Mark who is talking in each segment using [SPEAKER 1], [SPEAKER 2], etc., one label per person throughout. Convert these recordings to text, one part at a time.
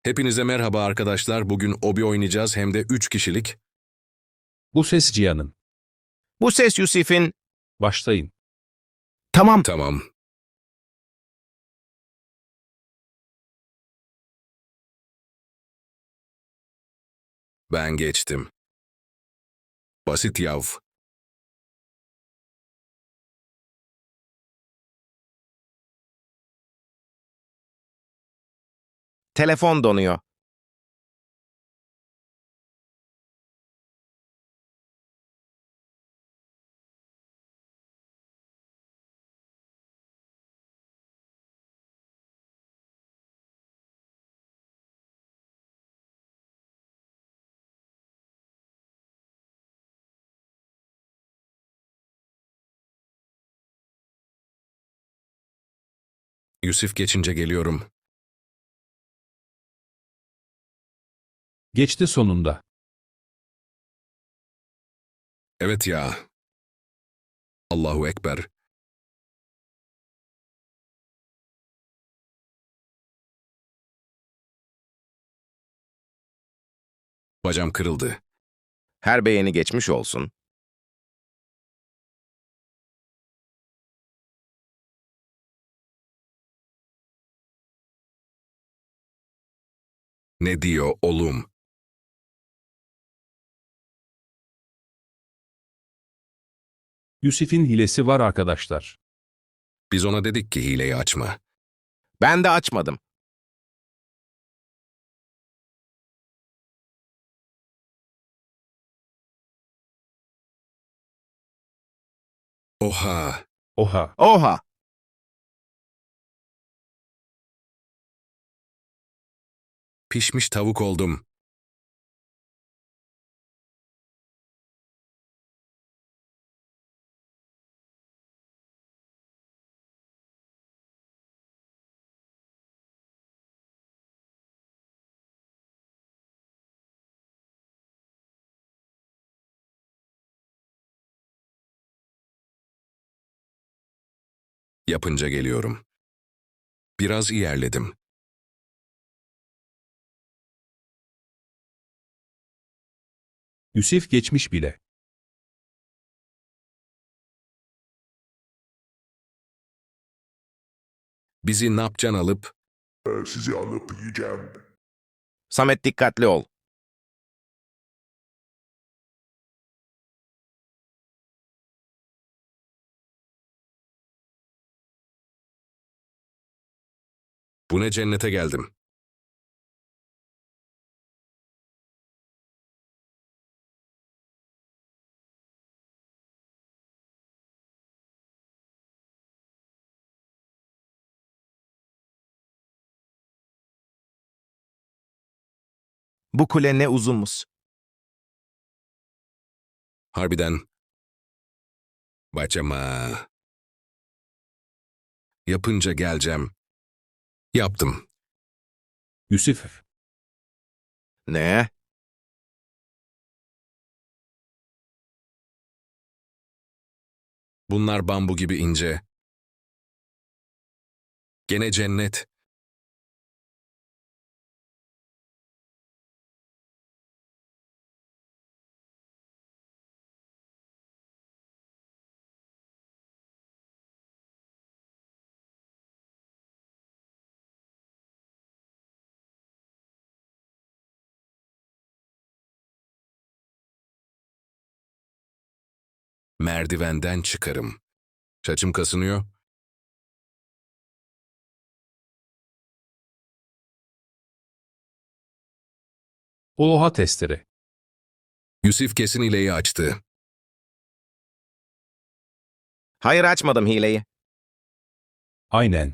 [SPEAKER 1] Hepinize merhaba arkadaşlar. Bugün Obi oynayacağız hem de 3 kişilik.
[SPEAKER 2] Bu ses Cihan'ın.
[SPEAKER 3] Bu ses Yusuf'in.
[SPEAKER 2] Başlayın.
[SPEAKER 3] Tamam.
[SPEAKER 1] Tamam. Ben geçtim. Basit yav.
[SPEAKER 3] Telefon donuyor.
[SPEAKER 1] Yusuf geçince geliyorum.
[SPEAKER 2] Geçti sonunda.
[SPEAKER 1] Evet ya. Allahu Ekber. Bacağım kırıldı.
[SPEAKER 3] Her beğeni geçmiş olsun.
[SPEAKER 1] Ne diyor oğlum?
[SPEAKER 2] Yusuf'in hilesi var arkadaşlar.
[SPEAKER 1] Biz ona dedik ki hileyi açma.
[SPEAKER 3] Ben de açmadım.
[SPEAKER 1] Oha.
[SPEAKER 2] Oha.
[SPEAKER 3] Oha!
[SPEAKER 1] Pişmiş tavuk oldum. Yapınca geliyorum. Biraz ilerledim.
[SPEAKER 2] Yusuf geçmiş bile.
[SPEAKER 1] Bizi napcan alıp
[SPEAKER 4] Sizi alıp yiyeceğim.
[SPEAKER 3] Samet dikkatli ol.
[SPEAKER 1] bu ne cennete geldim.
[SPEAKER 3] Bu kule ne uzunmuş.
[SPEAKER 1] Harbiden. Bacama. Yapınca geleceğim. Yaptım.
[SPEAKER 2] Yusuf.
[SPEAKER 3] Ne?
[SPEAKER 1] Bunlar bambu gibi ince. Gene cennet. Merdivenden çıkarım. Saçım kasınıyor.
[SPEAKER 2] Oha testere.
[SPEAKER 1] Yusuf kesin hileyi açtı.
[SPEAKER 3] Hayır açmadım hileyi.
[SPEAKER 2] Aynen.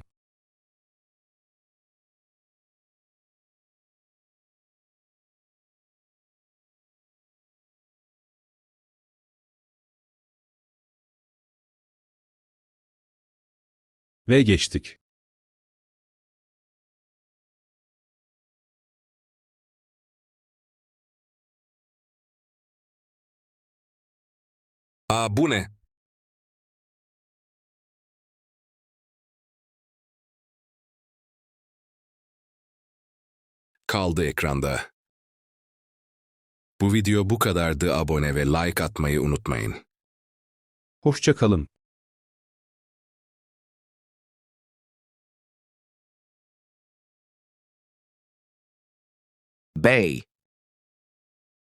[SPEAKER 2] Ve geçtik.
[SPEAKER 1] Aa bu ne? kaldı ekranda. Bu video bu kadardı. Abone ve like atmayı unutmayın.
[SPEAKER 2] Hoşça kalın.
[SPEAKER 3] Bey.